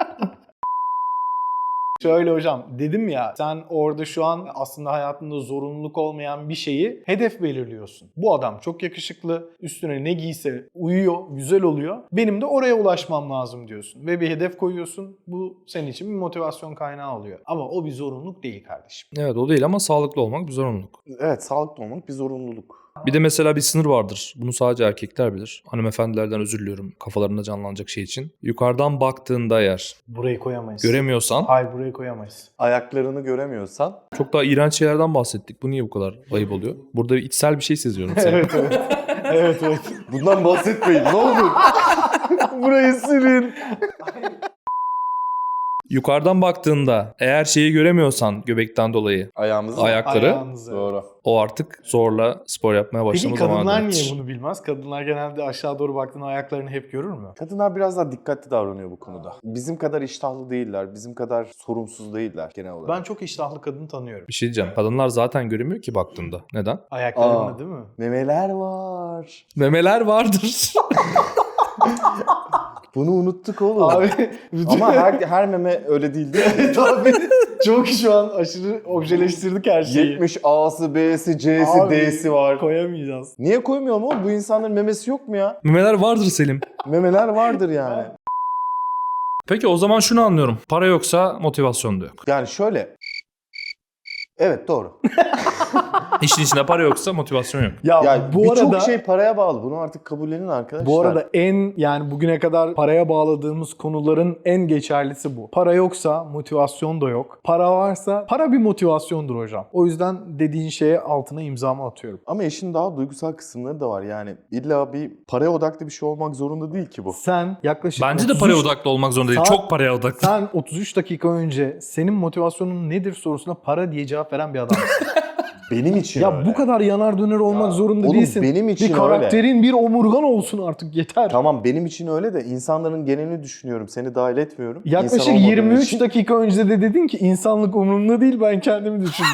[SPEAKER 2] Şöyle hocam, dedim ya sen orada şu an aslında hayatında zorunluluk olmayan bir şeyi hedef belirliyorsun. Bu adam çok yakışıklı, üstüne ne giyse uyuyor, güzel oluyor. Benim de oraya ulaşmam lazım diyorsun. Ve bir hedef koyuyorsun. Bu senin için bir motivasyon kaynağı oluyor. Ama o bir zorunluluk değil kardeşim.
[SPEAKER 1] Evet o değil ama sağlıklı olmak bir zorunluluk.
[SPEAKER 3] Evet, sağlıklı olmak bir zorunluluk.
[SPEAKER 1] Bir de mesela bir sınır vardır. Bunu sadece erkekler bilir. Hanımefendilerden özür diliyorum kafalarında canlanacak şey için. Yukarıdan baktığında eğer
[SPEAKER 2] Burayı koyamayız.
[SPEAKER 1] göremiyorsan
[SPEAKER 2] Hayır, burayı koyamayız.
[SPEAKER 3] Ayaklarını göremiyorsan
[SPEAKER 1] çok daha iğrenç şeylerden bahsettik. Bu niye bu kadar ayıp oluyor? Burada bir içsel bir şey seziyorum. Senin.
[SPEAKER 2] Evet evet. evet evet.
[SPEAKER 3] bundan bahsetmeyin ne olur. Burayı silin.
[SPEAKER 1] Yukarıdan baktığında eğer şeyi göremiyorsan göbekten dolayı
[SPEAKER 3] Ayağımızı.
[SPEAKER 1] ayakları
[SPEAKER 2] Ayağınızı.
[SPEAKER 3] Doğru.
[SPEAKER 1] o artık zorla spor yapmaya
[SPEAKER 2] Peki
[SPEAKER 1] başlama
[SPEAKER 2] kadınlar
[SPEAKER 1] zamanıdır.
[SPEAKER 2] niye bunu bilmez? Kadınlar genelde aşağı doğru baktığında ayaklarını hep görür mü?
[SPEAKER 3] Kadınlar biraz daha dikkatli davranıyor bu konuda. Bizim kadar iştahlı değiller, bizim kadar sorumsuz değiller genel olarak.
[SPEAKER 2] Ben çok iştahlı kadın tanıyorum.
[SPEAKER 1] Bir şey diyeceğim. Kadınlar zaten göremiyor ki baktığında. Neden?
[SPEAKER 2] Ayaklarını
[SPEAKER 3] Aa.
[SPEAKER 2] değil mi?
[SPEAKER 3] Memeler var.
[SPEAKER 1] Memeler vardır.
[SPEAKER 3] Bunu unuttuk oğlum.
[SPEAKER 2] Abi bütün...
[SPEAKER 3] Ama her, her meme öyle değil değil mi?
[SPEAKER 2] Evet abi. Çok şu an aşırı objeleştirdik her şeyi.
[SPEAKER 3] yetmiş A'sı, B'si, C'si,
[SPEAKER 2] Abi,
[SPEAKER 3] D'si var.
[SPEAKER 2] Koyamayacağız.
[SPEAKER 3] Niye koymuyorum oğlum? Bu insanların memesi yok mu ya?
[SPEAKER 1] Memeler vardır Selim.
[SPEAKER 3] Memeler vardır yani.
[SPEAKER 1] Peki o zaman şunu anlıyorum. Para yoksa motivasyon da yok.
[SPEAKER 3] Yani şöyle. Evet doğru.
[SPEAKER 1] İşin içinde para yoksa motivasyon yok.
[SPEAKER 2] Ya
[SPEAKER 3] Yani
[SPEAKER 2] bu
[SPEAKER 3] birçok
[SPEAKER 2] arada
[SPEAKER 3] şey paraya bağlı. Bunu artık kabullenin arkadaşlar.
[SPEAKER 2] bu arada en yani bugüne kadar paraya bağladığımız konuların en geçerlisi bu. Para yoksa motivasyon da yok. Para varsa para bir motivasyondur hocam. O yüzden dediğin şeye altına imzamı atıyorum.
[SPEAKER 3] Ama işin daha duygusal kısımları da var. Yani illa bir paraya odaklı bir şey olmak zorunda değil ki bu.
[SPEAKER 2] Sen yaklaşık
[SPEAKER 1] Bence de
[SPEAKER 2] otuz üç
[SPEAKER 1] paraya odaklı olmak zorunda değil.
[SPEAKER 2] Saat-
[SPEAKER 1] Çok paraya odaklı.
[SPEAKER 2] Sen otuz üç dakika önce senin motivasyonun nedir sorusuna para diye cevap veren bir adamsın.
[SPEAKER 3] Benim için
[SPEAKER 2] Ya
[SPEAKER 3] öyle.
[SPEAKER 2] bu kadar yanar döner olmak zorunda
[SPEAKER 3] oğlum,
[SPEAKER 2] değilsin.
[SPEAKER 3] benim için
[SPEAKER 2] bir
[SPEAKER 3] öyle.
[SPEAKER 2] karakterin, bir omurgan olsun artık yeter.
[SPEAKER 3] Tamam benim için öyle de insanların genelini düşünüyorum. Seni dahil etmiyorum.
[SPEAKER 2] Yaklaşık
[SPEAKER 3] İnsan olmadığın
[SPEAKER 2] yirmi üç
[SPEAKER 3] için.
[SPEAKER 2] dakika önce de dedin ki insanlık umurumda değil, ben kendimi düşündüm.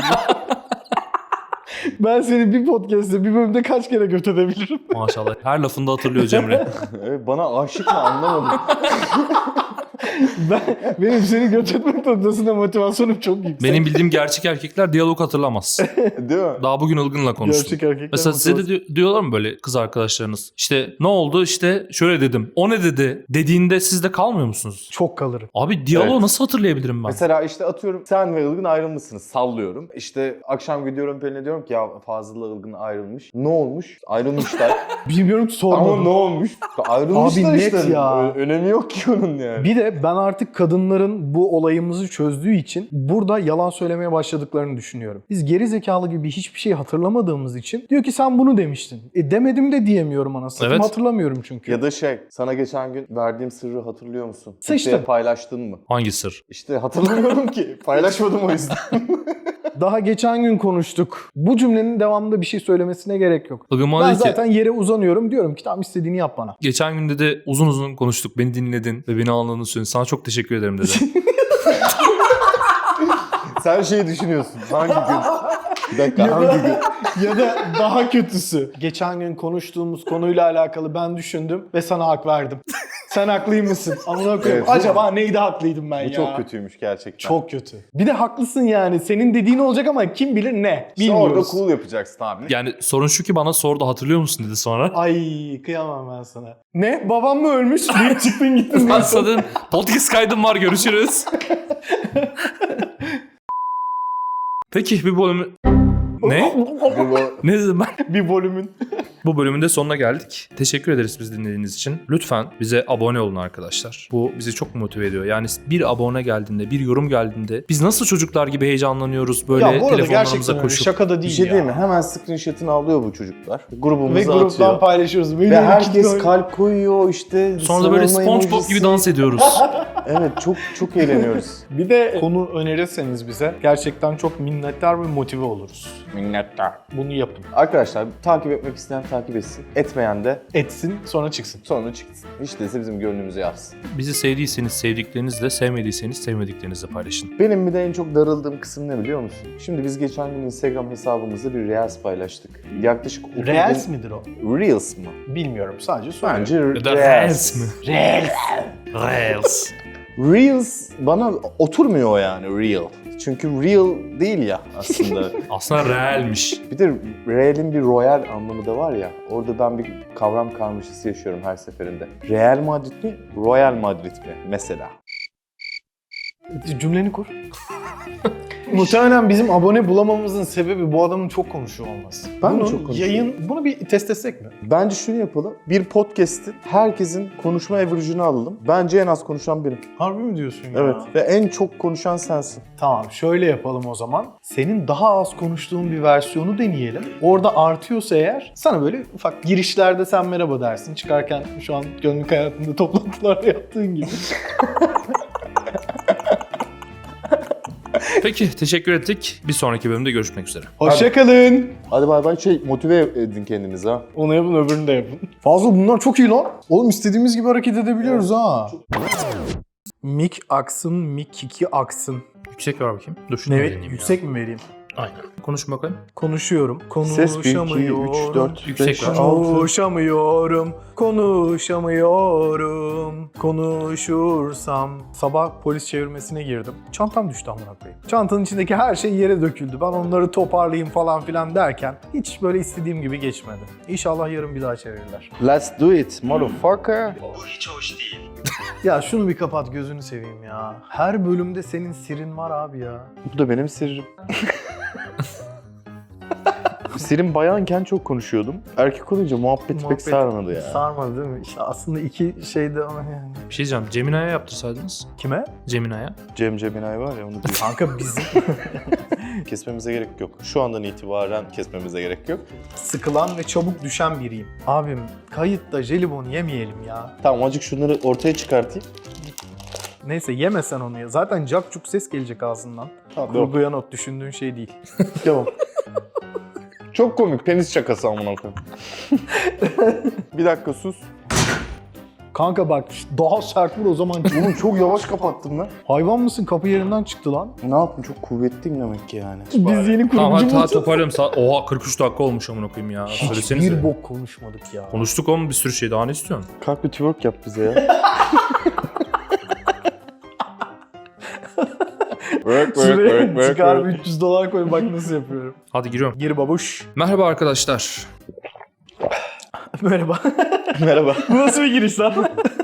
[SPEAKER 2] Ben seni bir podcast'te bir bölümde kaç kere göt edebilirim?
[SPEAKER 1] Maşallah. Her lafında hatırlıyor Cemre.
[SPEAKER 3] Evet, bana aşık mı anlamadım.
[SPEAKER 2] ben, benim seni götürmek noktasında motivasyonum çok yüksek.
[SPEAKER 1] Benim bildiğim gerçek erkekler diyalog hatırlamaz.
[SPEAKER 3] Değil mi?
[SPEAKER 1] Daha bugün Ilgın'la konuştum.
[SPEAKER 2] Gerçek erkekler
[SPEAKER 1] Mesela size de
[SPEAKER 2] motivasyon-
[SPEAKER 1] di- diyorlar mı böyle kız arkadaşlarınız? İşte ne oldu işte şöyle dedim. O ne dedi? Dediğinde siz de kalmıyor musunuz?
[SPEAKER 2] Çok kalırım.
[SPEAKER 1] Abi diyaloğu
[SPEAKER 3] Evet.
[SPEAKER 1] nasıl hatırlayabilirim ben?
[SPEAKER 3] Mesela işte atıyorum sen ve Ilgın ayrılmışsınız. Sallıyorum. İşte akşam gidiyorum Pelin'e diyorum ki ya Fazıl'la Ilgın ayrılmış. Ne olmuş? Ayrılmışlar.
[SPEAKER 2] Bilmiyorum ki sormadım.
[SPEAKER 3] Ama ne olmuş? Ayrılmışlar
[SPEAKER 2] Abi net
[SPEAKER 3] işte.
[SPEAKER 2] ya.
[SPEAKER 3] Ö- önemi yok ki onun yani.
[SPEAKER 2] Bir de ben artık kadınların bu olayımızı çözdüğü için burada yalan söylemeye başladıklarını düşünüyorum. Biz geri zekalı gibi hiçbir şey hatırlamadığımız için diyor ki sen bunu demiştin. E demedim de diyemiyorum anasını.
[SPEAKER 1] Evet.
[SPEAKER 2] Hatırlamıyorum çünkü.
[SPEAKER 3] Ya da şey, sana geçen gün verdiğim sırrı hatırlıyor musun?
[SPEAKER 2] Sıçtın.
[SPEAKER 3] Kimseye paylaştın mı?
[SPEAKER 1] Hangi sır?
[SPEAKER 3] İşte hatırlamıyorum ki. Paylaşmadım o yüzden.
[SPEAKER 2] Daha geçen gün konuştuk. Bu cümlenin devamında bir şey söylemesine gerek yok.
[SPEAKER 1] Ilgın bana
[SPEAKER 2] Ben
[SPEAKER 1] dedi ki
[SPEAKER 2] zaten yere uzanıyorum. Diyorum ki tamam istediğini yap bana.
[SPEAKER 1] geçen günde de uzun uzun konuştuk. Beni dinledin ve beni anladığını söyledin. Sana çok teşekkür ederim dedi.
[SPEAKER 3] Sen şeyi düşünüyorsun. Hangi gün? Bir dakika hangi gün?
[SPEAKER 2] Ya da daha kötüsü. Geçen gün konuştuğumuz konuyla alakalı ben düşündüm ve sana hak verdim. Sen haklıymışsın. Amına koyayım.
[SPEAKER 3] Evet, bu-
[SPEAKER 2] Acaba neydi haklıydım ben
[SPEAKER 3] Bu
[SPEAKER 2] ya?
[SPEAKER 3] çok kötüymüş gerçekten.
[SPEAKER 2] Çok kötü. Bir de haklısın yani. Senin dediğin olacak ama kim bilir ne?
[SPEAKER 3] İşte orada
[SPEAKER 2] Bilmiyoruz.
[SPEAKER 3] cool yapacaksın abi.
[SPEAKER 1] Yani sorun şu ki bana sordu hatırlıyor musun dedi sonra.
[SPEAKER 2] Ay kıyamam ben sana. Ne? Babam mı ölmüş? Deyip çıktın gittin.
[SPEAKER 1] Ben sana podcast kaydım var görüşürüz. Peki bir bölümü... Ne?
[SPEAKER 3] Bir bu-
[SPEAKER 1] Ne dedim ben?
[SPEAKER 2] Bir bölümün.
[SPEAKER 1] Bu bölümün de sonuna geldik. Teşekkür ederiz bizi dinlediğiniz için. Lütfen bize abone olun arkadaşlar. Bu bizi çok motive ediyor. Yani bir abone geldiğinde, bir yorum geldiğinde biz nasıl çocuklar gibi heyecanlanıyoruz böyle
[SPEAKER 2] Ya bu arada
[SPEAKER 1] telefonlarımıza
[SPEAKER 2] gerçekten öyle.
[SPEAKER 1] koşup.
[SPEAKER 2] Şaka da
[SPEAKER 3] Bir
[SPEAKER 2] değil
[SPEAKER 3] şey
[SPEAKER 2] ya.
[SPEAKER 3] değil mi? Hemen screenshot'ını alıyor bu çocuklar. Grubumuza
[SPEAKER 2] Ve gruptan
[SPEAKER 3] atıyor.
[SPEAKER 2] paylaşıyoruz. Benim
[SPEAKER 3] Ve
[SPEAKER 2] iki
[SPEAKER 3] herkes
[SPEAKER 2] gün-
[SPEAKER 3] kalp koyuyor işte.
[SPEAKER 1] Sonra da böyle
[SPEAKER 3] sarılma
[SPEAKER 1] SpongeBob
[SPEAKER 3] emojisi.
[SPEAKER 1] gibi dans ediyoruz.
[SPEAKER 3] Evet çok çok eğleniyoruz.
[SPEAKER 2] Bir de konu önerirseniz bize gerçekten çok minnettar ve motive oluruz.
[SPEAKER 3] Minnettar.
[SPEAKER 2] Bunu yapın.
[SPEAKER 3] Arkadaşlar takip etmek isteyen takip etsin. Etmeyen de
[SPEAKER 2] Etsin sonra çıksın.
[SPEAKER 3] sonra çıksın. Hiç değilse bizim gönlümüzü yapsın.
[SPEAKER 1] Bizi sevdiyseniz sevdiklerinizle, sevmediyseniz sevmediklerinizle paylaşın.
[SPEAKER 3] Benim bir de en çok darıldığım kısım ne biliyor musun? Şimdi biz geçen gün Instagram hesabımızda bir Reels paylaştık. Yaklaşık otuz
[SPEAKER 2] Reels
[SPEAKER 3] bin-
[SPEAKER 2] midir o?
[SPEAKER 3] Reels mı?
[SPEAKER 2] Bilmiyorum sadece soruyorum.
[SPEAKER 3] Bence
[SPEAKER 1] Ya da
[SPEAKER 3] Reels.
[SPEAKER 1] Reels mi?
[SPEAKER 2] Reels.
[SPEAKER 1] Reels.
[SPEAKER 3] Reels bana oturmuyor yani real. Çünkü real değil ya aslında.
[SPEAKER 1] Aslında realmiş.
[SPEAKER 3] Bir de real'in bir royal anlamı da var ya. Orada ben bir kavram karmaşası yaşıyorum her seferinde. Real Madrid mi? Royal Madrid mi? Mesela.
[SPEAKER 2] Cümleni kur. Muhtemelen bizim abone bulamamızın sebebi bu adamın çok konuşuyor olması.
[SPEAKER 3] Ben mi
[SPEAKER 2] bunu
[SPEAKER 3] çok konuşuyorum?
[SPEAKER 2] Yayın, bunu bir test etsek mi?
[SPEAKER 3] Bence şunu yapalım. Bir podcast'in herkesin konuşma average'ını alalım. Bence en az konuşan benim.
[SPEAKER 2] Harbi mi diyorsun ya?
[SPEAKER 3] Evet. Ve en çok konuşan sensin.
[SPEAKER 2] Tamam şöyle yapalım o zaman. Senin daha az konuştuğun bir versiyonu deneyelim. Orada artıyorsa eğer sana böyle ufak girişlerde sen merhaba dersin. Çıkarken şu an günlük hayatında toplantılarda yaptığın gibi.
[SPEAKER 1] Peki teşekkür ettik. Bir sonraki bölümde görüşmek üzere.
[SPEAKER 2] Hoşçakalın.
[SPEAKER 3] Hadi bay bay şey motive edin kendinizi ha.
[SPEAKER 2] Onu yapın öbürünü de yapın. Fazla bunlar çok iyi lan. Oğlum istediğimiz gibi hareket edebiliyoruz ha. Mik aksın, mik kiki aksın.
[SPEAKER 1] Yüksek ver bakayım. Dur şunu
[SPEAKER 2] Evet,
[SPEAKER 1] deneyeyim
[SPEAKER 2] yüksek mi vereyim?
[SPEAKER 1] ya. Aynen. Konuş bakalım.
[SPEAKER 2] Konuşuyorum.
[SPEAKER 3] Ses bir, iki,
[SPEAKER 2] Konuşamıyorum.
[SPEAKER 3] üç, dört,
[SPEAKER 1] Yüksek
[SPEAKER 3] beş,
[SPEAKER 1] ver.
[SPEAKER 3] altı.
[SPEAKER 2] Konuşamıyorum, konuşamıyorum, konuşursam. Sabah polis çevirmesine girdim. Çantam düştü amına koyayım. Çantanın içindeki her şey yere döküldü. Ben onları toparlayayım falan filan derken hiç böyle istediğim gibi geçmedi. İnşallah yarın bir daha çevirirler.
[SPEAKER 3] Let's do it motherfucker.
[SPEAKER 2] Ya şunu bir kapat gözünü seveyim ya. Her bölümde senin sirin var abi ya.
[SPEAKER 3] Bu da benim sırrım. Senin bayanken çok konuşuyordum. Erkek olunca muhabbet, pek
[SPEAKER 2] Muhabbet
[SPEAKER 3] sarmadı ya.
[SPEAKER 2] Sarmadı değil mi? İşte aslında iki şeyde ama yani.
[SPEAKER 1] Bir şey diyeceğim. Gemini'ye yaptırsaydınız.
[SPEAKER 2] Kime?
[SPEAKER 1] Gemini'ye.
[SPEAKER 3] Cem Ceminay var ya onu diyor.
[SPEAKER 2] Kanka bizim
[SPEAKER 3] Kesmemize gerek yok. Şu andan itibaren kesmemize gerek yok.
[SPEAKER 2] sıkılan ve çabuk düşen biriyim. Abim kayıtta jelibon yemeyelim ya.
[SPEAKER 3] Tamam azıcık şunları ortaya çıkartayım.
[SPEAKER 2] Neyse yemesen onu ya. Zaten cakcuk ses gelecek ağzından.
[SPEAKER 3] Tamam.
[SPEAKER 2] Kurguya not düşündüğün şey değil.
[SPEAKER 3] Tamam. Çok komik penis şakası amına koyayım. Bir dakika sus.
[SPEAKER 2] Kanka bak daha sert vur o zaman.
[SPEAKER 3] Oğlum çok yavaş kapattım lan.
[SPEAKER 2] Hayvan mısın? Kapı yerinden çıktı lan.
[SPEAKER 3] Ne yaptım çok kuvvetliyim demek ki yani.
[SPEAKER 2] Biz yeni
[SPEAKER 1] Tamam
[SPEAKER 2] kurucu
[SPEAKER 1] hadi, hadi
[SPEAKER 2] musun?
[SPEAKER 1] toparlayalım. Sa- Oha kırk üç dakika olmuş amına koyayım ya. Söylesenize.
[SPEAKER 2] Hiçbir bok konuşmadık ya.
[SPEAKER 1] Konuştuk oğlum bir sürü şey. Daha ne istiyorsun?
[SPEAKER 3] Kalk bir twerk yap bize ya. Work, work,
[SPEAKER 2] Şuraya
[SPEAKER 3] work, work,
[SPEAKER 2] çıkar
[SPEAKER 3] work.
[SPEAKER 2] üç yüz dolar koy bak nasıl yapıyorum.
[SPEAKER 1] Hadi giriyorum.
[SPEAKER 2] Gir babuş.
[SPEAKER 1] Merhaba arkadaşlar.
[SPEAKER 2] Merhaba.
[SPEAKER 3] Merhaba.
[SPEAKER 2] Bu nasıl bir giriş lan?